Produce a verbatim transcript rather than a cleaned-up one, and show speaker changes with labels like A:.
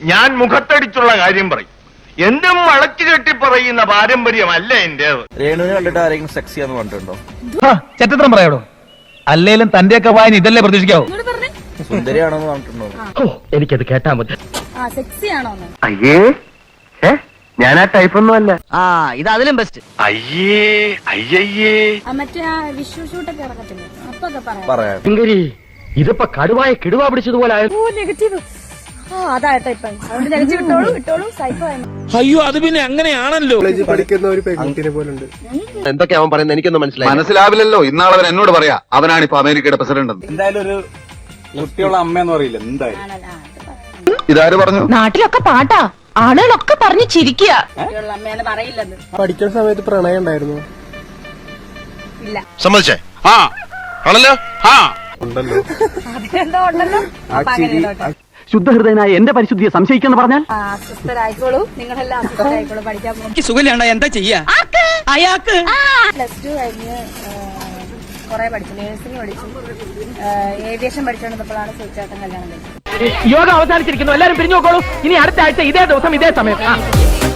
A: ഞാൻ മുഖത്തടിച്ചുള്ള കാര്യം പറയും. എന്തും വളച്ചു കെട്ടി പറയുന്ന പാരമ്പര്യമല്ല എന്റേത്.
B: രേണുവിനെ കണ്ടിട്ട് ആരെങ്കിലും സെക്സിയാന്ന് പറഞ്ഞിട്ടുണ്ടോ?
C: ചെറ്റത്രം പറയാടോ. അല്ലേലും തന്റെയൊക്കെ വായന ഇതല്ലേ പ്രതീക്ഷിക്കാവൂ.
B: സുന്ദരിയാണെന്ന് പറഞ്ഞിട്ടുണ്ടോ?
C: എനിക്കത് കേട്ടാ മതി.
A: അയ്യേ ഞാൻ ആ ടൈപ്പൊന്നും അല്ല.
D: ആ ഇത് അതിലും ബെസ്റ്റ്.
A: അയ്യേ അയ്യയ്യേ
E: മറ്റേ വിഷു ഷൂട്ടൊക്കെ ഇറക്കത്തില്ലേ, അപ്പൊക്കെ
B: പറയാം.
C: ഇതിപ്പോ കടുവായ കിടുവാ പിടിച്ചതുപോലെ
E: നെഗറ്റീവ്. ആ അതാട്ടോ ഇപ്പൊ അതുകൊണ്ട് നെഗറ്റീവ് ഇട്ടോളൂ ഇട്ടോളൂ സൈക്കോ.
F: അയ്യോ അത് പിന്നെ അങ്ങനെയാണല്ലോ.
G: പഠിക്കുന്ന ഒരു പെൺകുട്ടിനെ പോലുണ്ട്.
B: എന്തൊക്കെയാ അവൻ പറയുന്നത് എനിക്കൊന്നും മനസ്സിലായി.
H: മനസ്സിലാവില്ലല്ലോ. ഇന്നാളെ അവൻ എന്നോട് പറയാ അവനാണ് ഇപ്പൊ അമേരിക്കയുടെ പ്രസിഡന്റ്.
G: എന്തായാലും ഒരു കുട്ടിയുള്ള അമ്മയെന്ന് പറയില്ല എന്തായാലും.
H: ഇതാര് പറഞ്ഞു?
I: നാട്ടിലൊക്കെ പാട്ടാ, ആളുകളൊക്കെ പറഞ്ഞു ചിരിക്കുക.
E: അമ്മേനെ പറയില്ലെന്ന്.
G: പഠിക്കുന്ന സമയത്ത് പ്രണയം ഉണ്ടായിരുന്നു.
E: ഇല്ല.
H: സമ്മതിച്ചേ? ആ ആണല്ലോ. ആ
G: ഉണ്ടല്ലോ.
E: അതിനെന്തോ ഉണ്ടല്ലോ.
C: ശുദ്ധഹൃദയനായ എന്റെ പരിശുദ്ധിയെ സംശയിക്കെന്ന് പറഞ്ഞാൽ
E: അസ്വസ്ഥരായിക്കോളൂ, നിങ്ങളെല്ലാം അസ്വസ്ഥരായിക്കോളൂ. പഠിക്കാൻ പോകും.
D: സുഖമില്ലാണ്ട എന്താ ചെയ്യാ അയാൾക്ക്?
E: പ്ലസ് ടു കഴിഞ്ഞ് കൊറേ പഠിച്ചു, നേഴ്സിംഗ് പഠിച്ചു, ഏവിയേഷൻ പഠിച്ചുകൊണ്ടിരുന്നപ്പോഴാണ് സുചേട്ടൻ കല്യാണം കഴിച്ചത്.
C: യോഗ അവസാനിച്ചിരിക്കുന്നു. എല്ലാരും പിരിഞ്ഞു നോക്കോളൂ. ഇനി അടുത്ത ആഴ്ച ഇതേ ദിവസം ഇതേ സമയം.